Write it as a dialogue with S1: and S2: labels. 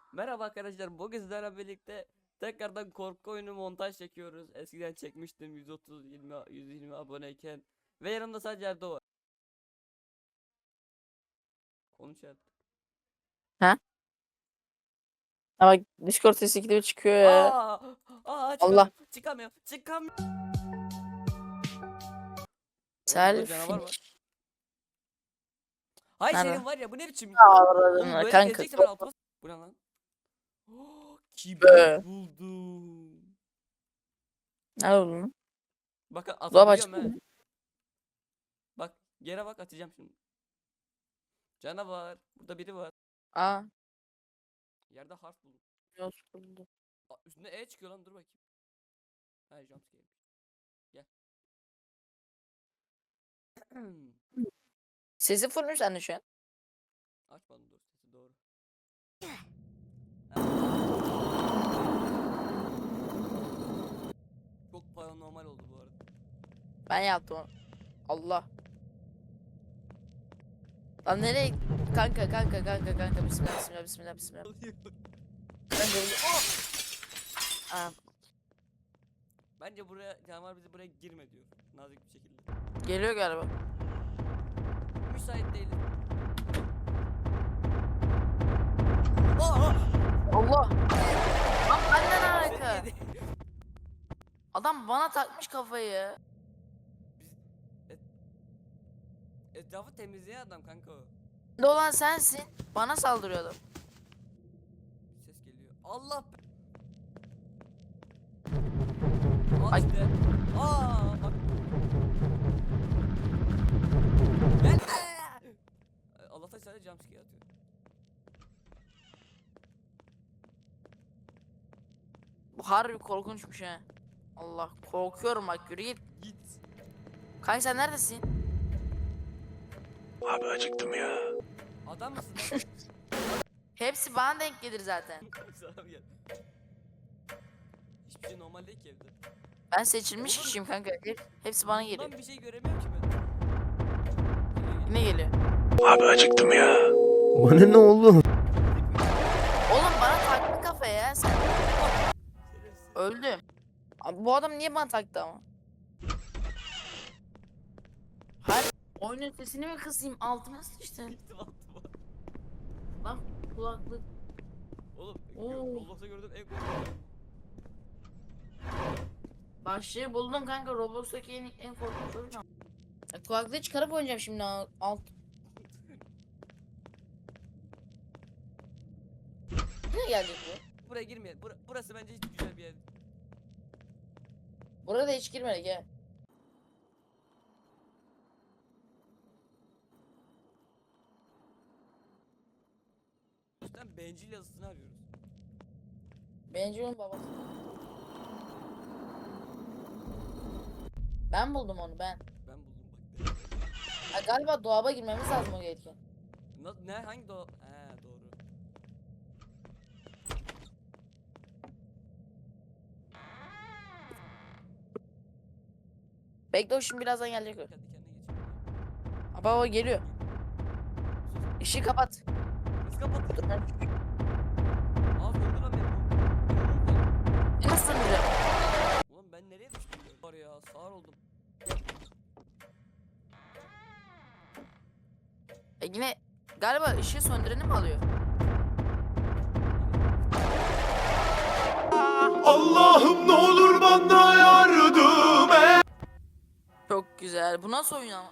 S1: Merhaba arkadaşlar, bugün sizlerle birlikte tekrardan korku oyunu montaj çekiyoruz. Eskiden çekmiştim 120 aboneyken ve yanımda sadece Erdo var. Konuş Erdo.
S2: Ha? Ama Discord sesi gidip çıkıyor ya.
S1: Aa,
S2: Allah.
S1: çıkamıyorum. Oğlum burada canavar var.
S2: Selfie.
S1: Hay
S2: Nerede?
S1: senin var ya, bu ne biçim? Oğlum
S2: Avradın
S1: böyle
S2: kanka.
S1: gezecekse ben altıma. Bu ne lan?
S2: Be.
S1: Kibrit buldum.
S2: Ne oldu lan?
S1: Bakın
S2: Dolap
S1: atabiliyorum
S2: açık
S1: he.
S2: mı?
S1: Bak yere bak, atacağım şimdi. Canavar. Burada biri var.
S2: Aa.
S1: Yerde harf buldum.
S2: Yok buldu.
S1: Üstünde E çıkıyor lan, dur bakayım. Ha, jumpscare. Gel.
S2: Sesi full mü sende şu an?
S1: Açmadım, dur sesi doğru. Çok paranormal oldu bu arada.
S2: Ben yaptım onu. Allah. Lan nereye? Kanka. Bismillah. Kanka Aa,
S1: Bence buraya canavar bizi buraya girme diyor. Nazik bir şekilde.
S2: geliyor galiba.
S1: Müsait değilim. Aa!
S2: Allah. Lan benden
S1: Seni
S2: alaka.
S1: yedi.
S2: Adam bana takmış kafayı.
S1: Biz etrafı temizleyen adam kanka o.
S2: Ne olan sensin. Bana saldırıyor adam.
S1: Bir ses geliyor. Allah be. Al
S2: Ay.
S1: işte. Aa bak. Gel. Allah'tan sadece jumpscare atıyor.
S2: Bu harbi korkunçmuş ha. Allah korkuyorum bak yürü git.
S1: Git.
S2: Kanka sen neredesin?
S3: Abi acıktım ya.
S1: Adam mısın lan?
S2: Hepsi bana denk gelir zaten.
S1: Sana gel. Hiçbir şey normal değil ki evde.
S2: Ben seçilmiş kişiyim kanka. Hepsi bana geliyor.
S1: Bundan bir şey göremiyorum ki ben.
S2: Ne geliyor?
S3: Abi acıktım ya. Bana ne oğlum?
S2: Oğlum bana taktı kafaya ya sen.
S1: Şerefsiz.
S2: Öldüm. Abi, bu adam niye bana taktı ama? Hayır. Oyunun sesini mi kısayım? Altıma sıçtı.
S1: Gittim altıma.
S2: Lan kulaklık.
S1: Oğlum
S2: Oo.
S1: Roblox'ta gördüğüm en korkunç.
S2: Başlığı buldum kanka. Roblox'taki en korkunç oyun. Kulaklığı çıkarıp oynayacağım şimdi alt. Nereye gelecek bu?
S1: Buraya girmeyelim. Burası bence hiç güzel bir yer.
S2: Buraya da hiç girmedik ya.
S1: Üstten bencil yazısını arıyoruz.
S2: Benji'nin babası. Ben buldum onu ben.
S1: Ben buldum bak.
S2: Ha, galiba dolaba girmemiz lazım o gelirken.
S1: Ne hangi do? He doğru.
S2: Bekle o şimdi birazdan gelecek o.
S1: Kendi kendine geçiyor.
S2: Baba o geliyor. Işığı kapat.
S1: Nasıl kapattın?
S2: Dur ben.
S1: Aa vurdu lan beni.
S2: Nasıl duracağım?
S1: Ulan ben nereye düştüm? Var ya, sağır oldum.
S2: Yine galiba ışığı söndüreni mi alıyor?
S3: Allah'ım ne olur bana yardım et.
S2: Çok güzel. Bu nasıl oyun ama?